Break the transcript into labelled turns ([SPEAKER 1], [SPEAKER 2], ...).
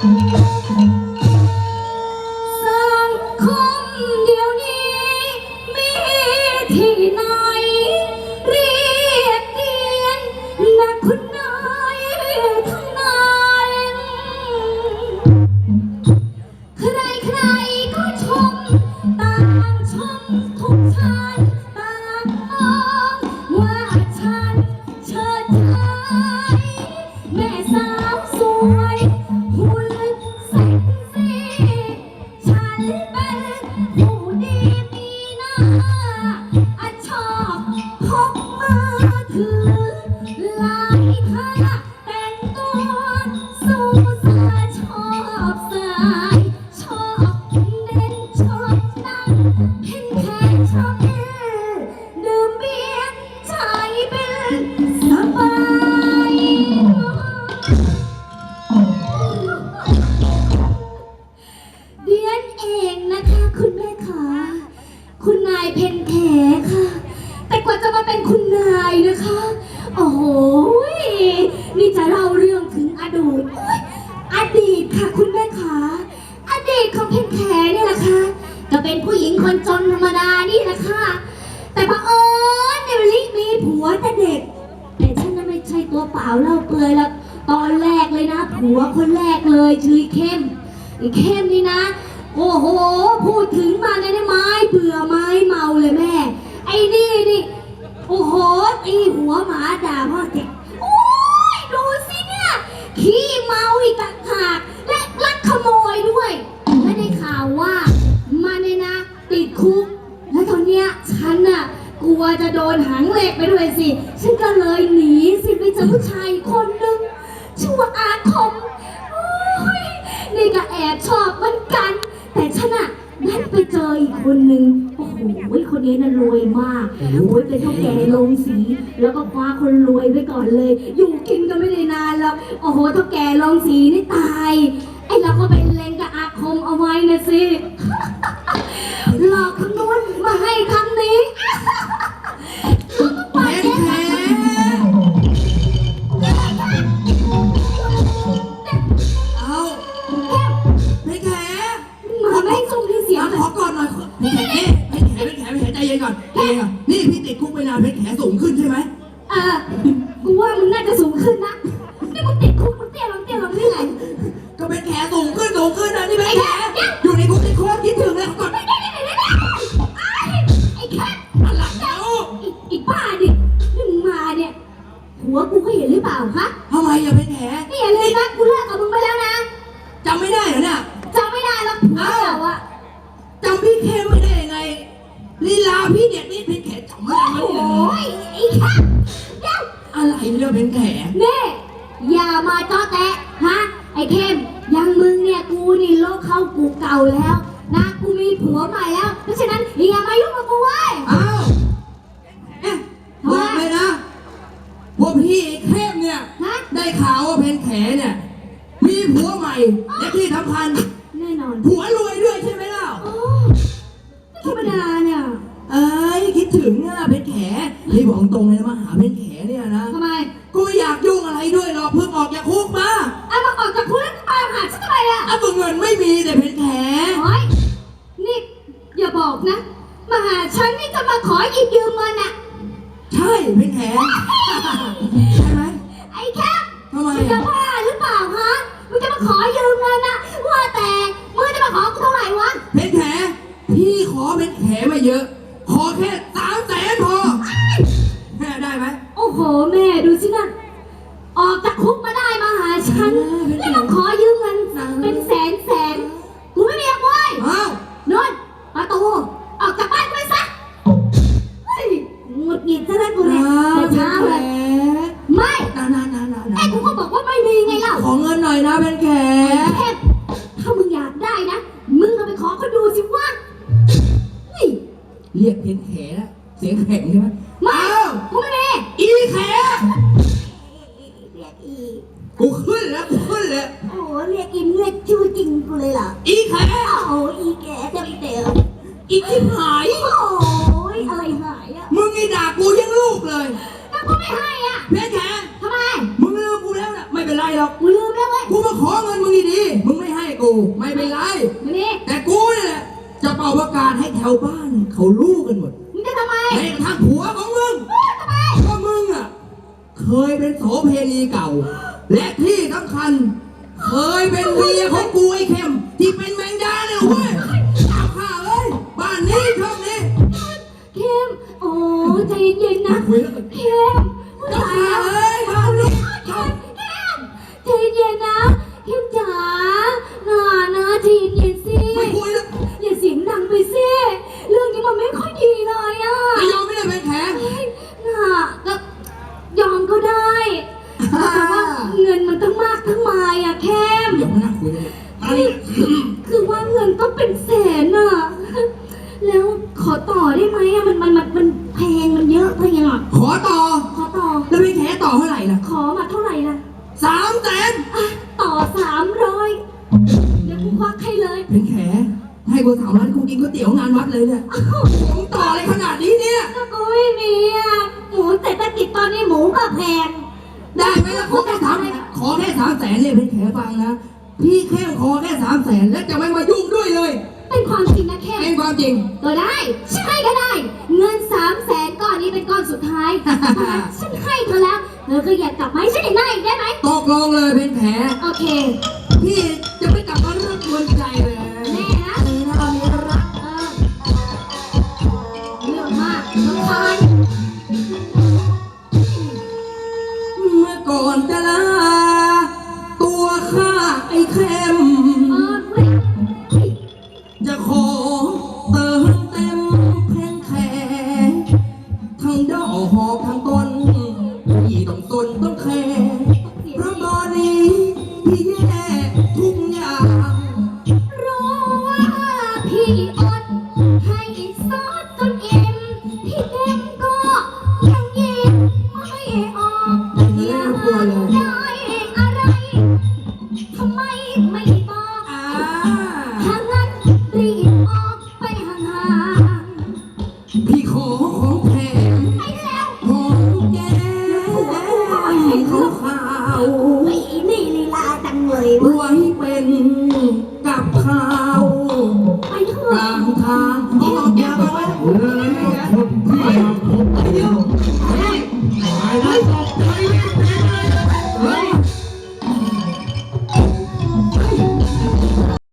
[SPEAKER 1] สังคมเดี๋ยวนี้มีที่ไหนเรียกเกียนนักคุณนายทั้งนั้นใครๆก็ชมต่างชมทุกชั้นต่างมองว่าฉันเชิดชายแม่สาวสวยหุ่นเซ็กซี่ฉันเป็นผู้ดีมีหน้าชอบพกมือถือหลายท่าแต่งตัวสู้สาชอบสายชอบเด่นชอบนั่งเห็นแค่ชอบดื่มเบียร์ใจเป็นสบายเดียนเองนะคะคุณแม่ขาคุณนายเพ็ญแขค่ะแต่กว่าจะมาเป็นคุณนายนะคะโอ้โหนี่จะเล่าเรื่องถึงอดีตค่ะคุณแม่ขาอดีตของเพ็ญแขเนี่ยแหละค่ะก็เป็นผู้หญิงคนจนธรรมดานี่แหละค่ะแต่บังเอิญเนี่ยลิมีผัวแต่เด็กแต่ฉันน่ะไม่ใช่ตัวเปล่าเล่าเปลือยแล้วตอนแรกเลยนะผัวคนแรกเลยชื่อเข้มไอ้เข้มนี่นะโอ้โหพูดถึงมาเนี่ยไม้เบื่อไม้เมาเลยแม่ไอ้นี่โอ้โหตีหัวหมาด่าพ่อเด็กโอ้ยดูสิเนี่ยขี้เมาอีกต่างหากและลักขโมยด้วยและได้ข่าวว่ามันเนี่ยนะติดคุกแล้วตอนเนี้ยฉันน่ะกลัวจะโดนหางเหล็กไปด้วยสิฉันก็เลยหนีสิไปเจอผู้ชายคนหนึ่งชื่อว่าอาคมโอ้ยนี่ก็แอบชอบเหมือนกันแต่ฉันน่ะนั่นไปเจออีกคนหนึ่งโอ้โหคนนี้น่ะรวยมากโอ้ยเป็นเท่าแก่โรงสีแล้วก็คว้าคนรวยไว้ก่อนเลยอยู่กินก็ไม่ได้นานแล้วโอ้โหเท่าแก่โรงสีนี่ตายไอ้เราก็ไปเล็งกับอาคมเอาไว้นะสิหลอกคำนวณมาให้คำนี้
[SPEAKER 2] แพ้แพ้เอาแพ้แพ้
[SPEAKER 1] มาไม่ส่งที่เสียง
[SPEAKER 2] ขอก่อนหน่อยแพ้ใจเย็นก่อนนี่พี่ติดคุกไปนานแพ้สูงขึ้นใช่ไหม
[SPEAKER 1] กูว่ามึงน่าจะสูงขึ้นนะนี่มึงติดคุกมึงเตี้ยลงนี่ไง
[SPEAKER 2] ก็เป็นแผลสูงขึ้นนะนี่เป็นแผลอยู่ในคุกในโคตรคิดถึงเลยก่อน
[SPEAKER 1] ไอ้แค่
[SPEAKER 2] อะไรแล้ว
[SPEAKER 1] อีบ้าดินี่มึงมาเนี่ยหัวกูก็เห็นหรือเปล่าฮะ
[SPEAKER 2] ทำไมอย่าเป็นแผล
[SPEAKER 1] นี่อย่าเลยนะกูเลิกกับมึงไปแล้วนะ
[SPEAKER 2] จำไม่ได้เหรอเนี่ย
[SPEAKER 1] จำไม่ได้หรอกผัวเราอะ
[SPEAKER 2] จำพี่เข้มไม่ได้ยังไงลีลาพี่เด็กนี่เป็นแผลจำไม่ได้เลย
[SPEAKER 1] โอ้ยไอ้แค่เดี๋ยว
[SPEAKER 2] อะไรเนี่ยเป็นแผล
[SPEAKER 1] เน่อย่ามาจ้อแตะฮะไอ้เข้มยังมึงเนี่ยกูนี่โลกเข้ากูเก่าแล้วนะกูมีผัวใหม่แล้วเพราะฉะนั้นอย่ามายุ่งกับกูเว้ย
[SPEAKER 2] อ้าวบอกเลยนะว่าพี่เข้มเนี่ยได้ข่าวว่าเพนแขเนี่ยมีผัวใหม่และที่สำคัญ
[SPEAKER 1] แน่นอน
[SPEAKER 2] ผัวรวยด้วยใช่ไหมล่ะ
[SPEAKER 1] ไม่ธรรมดาเนี่ย
[SPEAKER 2] คิดถึงอ่ะเพนแขนี่บอกตรงเลยนะมาหาเพนแขเนี่ยนะ
[SPEAKER 1] ทำไม
[SPEAKER 2] กูไม่อยากยุ่งอะไรด้วยหรอกเพิ่งออกจากคุกมา
[SPEAKER 1] มาออกจากคุกแล้วมาหาฉันทำไมอ่ะ
[SPEAKER 2] เงินไม่มีแต่เพนแข
[SPEAKER 1] โอ้ยนี่อย่าบอกนะมาหาฉันนี่จะมาขอหยิบยืมเงินอ่ะ
[SPEAKER 2] ใช่เพนแขใช่ไหม
[SPEAKER 1] ไอ้แค่
[SPEAKER 2] ทำไม
[SPEAKER 1] จะบ้าหรือเปล่าฮะมึงจะมาขอยืมเงินอ่ะว่าแต่มึงจะมาขอกูเท่าไหร่วะ
[SPEAKER 2] เพนแขพี่ขอเพนแขมาเยอะขอแค่300,000พอแม่ได้ไหม
[SPEAKER 1] โอ้โหแม่ดูสินะออกจากคุกมาได้มาหาฉันแล้วมาขอยืมเงินเป็นแสนกูไม่มีเว้ยนนประตูออกจากบ้านไปซะหงุดหงิดซะแล้วกูเนี่ยแต่ช้าเลยไม่ไอ้กูก็บอกว่าไม่มีไงเล่า
[SPEAKER 2] ขอเงินหน่อยนะเป็นแขก
[SPEAKER 1] ถ้ามึงอยากได้นะมึงก็ไปขอเขาดูสิว่า
[SPEAKER 2] เรียกเป็นแขกเสียงแข็งใช่ไหม
[SPEAKER 1] ไม่กูไม่มี
[SPEAKER 2] อีแข
[SPEAKER 1] เรียกอี
[SPEAKER 2] กูขึ้นแล้ว
[SPEAKER 1] โอ้เรียกอิมเรียกชื่อจริงกูเลยเหรอ
[SPEAKER 2] อีแข
[SPEAKER 1] โอ้อีแกเต็ม
[SPEAKER 2] อีที่หาย
[SPEAKER 1] โอ้ยอะไรหายอ่ะ
[SPEAKER 2] มึงนี่ด่ากูยังลูกเลย
[SPEAKER 1] แล้วกูไม่ให้อ่ะ
[SPEAKER 2] เพชรแข
[SPEAKER 1] ทำไม
[SPEAKER 2] มึงลืมกูแล้วนะไม่เป็นไรหรอก
[SPEAKER 1] กูลืมแล้วเว้ย
[SPEAKER 2] กูมาขอเงินมึงดีๆมึงไม่ไม่เป็นไร
[SPEAKER 1] มานี่
[SPEAKER 2] แต่กูเนี่ยแหละจะเป่าประกาศให้แถวบ้านเขารู้กันหมด
[SPEAKER 1] มึงจะทำไม
[SPEAKER 2] แม้กระทั่งผัวของมึง
[SPEAKER 1] ทำไม
[SPEAKER 2] ก็มึงอ่ะเคยเป็นโสเพณีเก่า และที่สำคัญ เคยเป็นเมียของกูไอ้เข้มที่เป็นแมงดาเนี่ยเว้ยเอาข้าเอ้ยบ้านนี้ช่องนี้
[SPEAKER 1] เข้มโอ้ใจเย็นๆนะ
[SPEAKER 2] คุยแล้ว
[SPEAKER 1] เข้ม
[SPEAKER 2] เจ้าข้าเอ้ยบ้านนี้ช่อง
[SPEAKER 1] เข้มใจเย็นๆนะเข้มจ๋าน่านะใจเย็นๆสิ
[SPEAKER 2] ไม่คุยแล้ว
[SPEAKER 1] อย่าเสียงดังไปสิเรื่องนี้มันไม่ค่อยดีเลยอ่ะ
[SPEAKER 2] ไม่ยอมไม่ได้เป็นแขก
[SPEAKER 1] เฮ้ยน่ะก็ยอมก็ได้แต่ว่าเงินมันตั้งมากทั้งมายอ่ะเข้ม
[SPEAKER 2] เดี๋ยวมานั่งคุยกันเลยอันนี้
[SPEAKER 1] คือว่าเงินต้องเป็นแสนอ่ะ แล้วขอต่อได้ไหมอ่ะมันแพงมันเยอะไปอ่ะ
[SPEAKER 2] ขอต่อ
[SPEAKER 1] ขอต่อ
[SPEAKER 2] แล้วเป็นแขกต่อเท่าไหร่ล่ะ
[SPEAKER 1] ขอมาเท่าไหร่ล่ะ
[SPEAKER 2] 300,000
[SPEAKER 1] อ่ะต่อ300เดี๋ยวกูควักให้เลย
[SPEAKER 2] เป็นแขกให้กู300,000กูกินก๋วยเตี๋ยวงานวัดเลยเนี่ยผมต่ออะไรขนาดนี้เนี่ย
[SPEAKER 1] ก็กูไม่มีอ่ะหมูเศรษฐกิจตอนนี้หมูก็แพง
[SPEAKER 2] ได้ไหมล่ะขอแค่300,000เลยเป็นแขกฟังนะ พี่แค่ขอแค่300,000แล้วจะไม่มายุ่งด้วยเลย
[SPEAKER 1] เป็นความจริงนะแค่
[SPEAKER 2] เป็นความจริง
[SPEAKER 1] ก็ได้ฉันให้ก็ได้ เงิน300,000ก้อนนี้เป็นก้อนสุดท้าย ฉันให้เธอแล้วเธอก็อยากกลับมาให้ฉันอีกหน้าอีกได้ไหม
[SPEAKER 2] ตกลงเลยเป็นแขก
[SPEAKER 1] โอเค
[SPEAKER 2] พี่จะไม่กลับมาเรื่องกวนใจเลย
[SPEAKER 1] แน่นะ
[SPEAKER 2] ตอนนี้รัก
[SPEAKER 1] เรื่องมากรำคาญ
[SPEAKER 2] เมื่อก่อนจะลาตัวข้าไอ้เข้ม
[SPEAKER 1] เว้ย
[SPEAKER 2] จะขอเติมเต็มเพลงแขกทั้งดอกหอกทั้งต้นที่ต้องตนต้องแคร์เพราะตอนนี้พี่แย่ทุกอย่าง
[SPEAKER 1] รู้ว่าพี่อดให้ซอสจนอิ่มพี่เต็มก็ยังยิ้มไม่ออกอยากได้อะไรทำไมไม่บอก
[SPEAKER 2] อ่า
[SPEAKER 1] ถ้างั้นรีบออกไปห่าง
[SPEAKER 2] พี่ขอของแถม
[SPEAKER 1] ๆไปแล้ว
[SPEAKER 2] หอมแก้มขาวขาว
[SPEAKER 1] ไอ้นี่ลีลาจังเลย
[SPEAKER 2] ไว้เป็นกับข้าว
[SPEAKER 1] ไปเถ
[SPEAKER 2] ก
[SPEAKER 1] อะ
[SPEAKER 2] ลางทางออกจากแว